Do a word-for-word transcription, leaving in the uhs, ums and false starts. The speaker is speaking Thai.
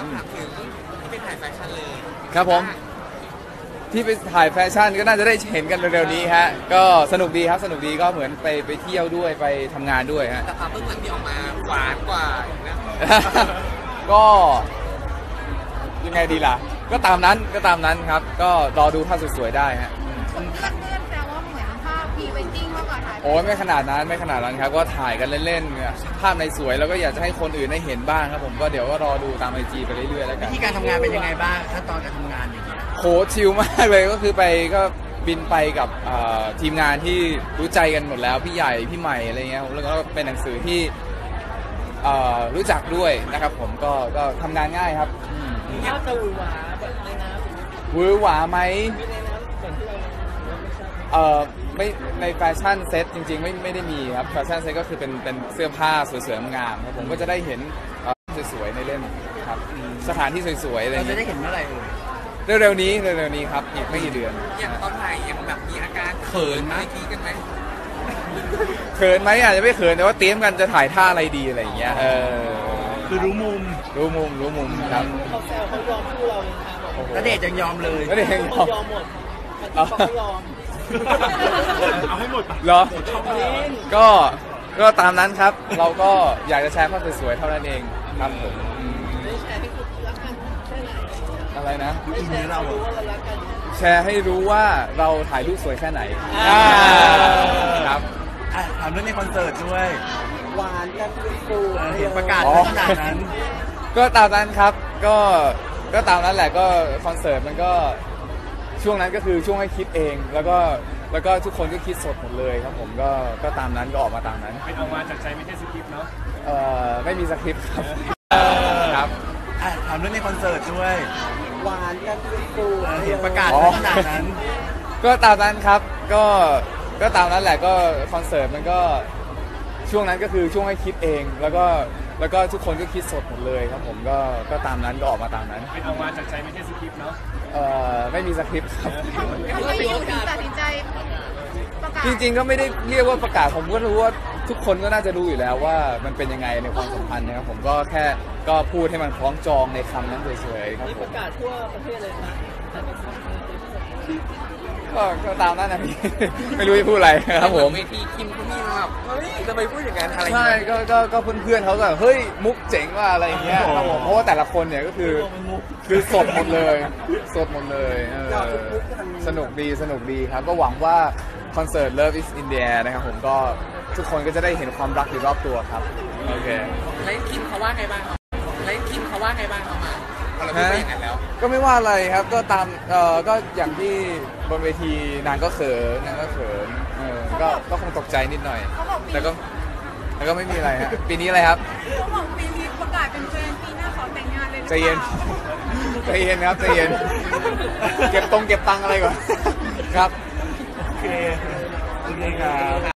ต้องถามถึงที่ไปถ่ายแฟชั่นเลยครับผมที่ไปถ่ายแฟชั่นก็น่าจะได้เห็นกันเร็วๆนี้ฮะก็สนุกดีครับสนุกดีก็เหมือนไปไปเที่ยวด้วยไปทำงานด้วยฮะแต่ภาพเบื้องหลังที่ออกมาหวานกว่านะก็ยังไงดีล่ะก็ตามนั้นก็ตามนั้นครับก็รอดูภาพสวยๆได้ฮะเพื่อนๆแซวว่าเหมือนภาพพรีเวดดิ้งมากกว่าถ่ายโอ้ยไม่ขนาดนั้นไม่ขนาดนั้นครับก็ถ่ายกันเล่นๆภาพในสวยแล้วก็อยากจะให้คนอื่นได้เห็นบ้างครับผมก็เดี๋ยวก็รอดูตามไอจีไปเรื่อยๆแล้วกันวิธีการทำงานเป็นยังไงบ้างขั้นตอนการทำงานอย่างเงี้ยโหชิลมากเลยก็คือไปก็บินไปกับทีมงานที่รู้ใจกันหมดแล้วพี่ใหญ่พี่ใหม่อะไรเงี้ยแล้วก็เป็นหนังสือที่รู้จักด้วยนะครับผมก็ก็ทำงานง่ายครับยากจะหวือหวาแบบในน้ำหวือหวาไหมเอ่อไม่ในแฟชั่นเซ็ตจริงๆไม่ไม่ได้มีครับแฟชั่นเซ็ตก็คือเป็นเป็นเสื้อผ้าสวยๆงามครับผมก็จะได้เห็นสวยๆในเล่มครับสถานที่สวยๆอะไรเราจะได้เห็นเมื่อไหร่เร็วๆนี้เร็วๆนี้ครับอีกไม่กี่เดือนอย่างตอนถ่ายยังแบบมีอาการเขินไหมทีกันไหมเขินไหมอาจจะไม่เขินแต่ว่าเตรียมกันจะถ่ายท่าอะไรดีอะไรอย่างเงี้ยเออคือรู้มุมรู้มุมรู้มุมครับเขาแซวเขายอมคู่เราเลยครับณเดชน์ยังยอมเลยณเดชน์ยังยอมยอมหมดเขาไม่ยอมเอาให้หมดเหรอก็ก็ตามนั้นครับเราก็อยากจะแชร์ภาพสวยๆเท่านั้นเองครับผมอะไรนะแชร์ให้รู้ว่าเราถ่ายรูปสวยแค่ไหนครับถามเรื่องในคอนเสิร์ตด้วยหวานกันฟูเห็นประกาศขนาดนั้นก็ตามนั้นครับก็ก็ตามนั้นแหละก็คอนเสิร์ตมันก็ช่วงนั้นก็คือช่วงให้คิดเองแล้วก็แล้วก็ทุกคนก็คิดสดหมดเลยครับผมก็ก็ตามนั้นก็ออกมาตามนั้นเป็นออกมาจากใจไม่ใช่สคริปต์เนาะเอ่อไม่มีสคริปต์ครับครับถามเรื่องในคอนเสิร์ตด้วยหวานกันฟูเห็นประกาศขนาดนั้นก็ตามนั้นครับก็ก็ตามนั้นแหละก็คอนเสิร์ตมันก็ช่วงนั้นก็คือช่วงให้คิดเองแล้วก็แล้วก็ทุกคนก็คิดสดหมดเลยครับผมก็ก็ตามนั้นก็ออกมาตามนั้นเป็นออกมาจากใจไม่ใช่สคริปต์เนาะเอ่อไม่มีสคริปต์ครับทำไมอยู่ถึงตัดสินใจประกาศจริงๆก็ไม่ได้เรียกว่าประกาศผมก็รู้ว่าทุกคนก็น่าจะรู้อยู่แล้วว่ามันเป็นยังไงในความสัมพันธ์นะครับผมก็แค่ก็พูดให้มันคล้องจองในคำนั้นเฉยๆครับผมประกาศทั่วประเทศเลยนะก็ก็ตามนั้นนะพี่ไม่รู้จะพูดอะไรครับผมเวทีคิมเขามีแบบเฮ้ยจะไปพูดอย่างนั้นอะไรใช่ก็ก็ก็เพื่อนๆเขาก็เฮ้ยมุกเจ๋งว่าอะไรอย่างเงี้ยครับผมเพราะว่าแต่ละคนเนี่ยก็คือคือสดหมดเลยสดหมดเลยสนุกดีสนุกดีครับก็หวังว่าคอนเสิร์ต Love is in the air นะครับผมก็ทุกคนก็จะได้เห็นความรักอยู่รอบตัวครับโอเคแล้วคิมเขาว่าไงบ้างแล้วคิมเขาว่าไงบ้างเขามาเราพูดไปอย่างนั้นแล้วก็ไม่ว่าอะไรครับก็ตามเอ่อก็อย่างที่บนเวทีนางก็เขินนางก็เขินเออก็ก็คงตกใจนิดหน่อยแต่ก็แต่ก็ไม่มีอะไรฮะปีนี้อะไรครับเขาบอกปีนี้ประกาศเป็นแฟนปีหน้าขอแต่งงานเลยใจเย็นใจเย็นครับใจเย็นเก็บตรงเก็บตังอะไรก่อนครับโอเคโอเคครับ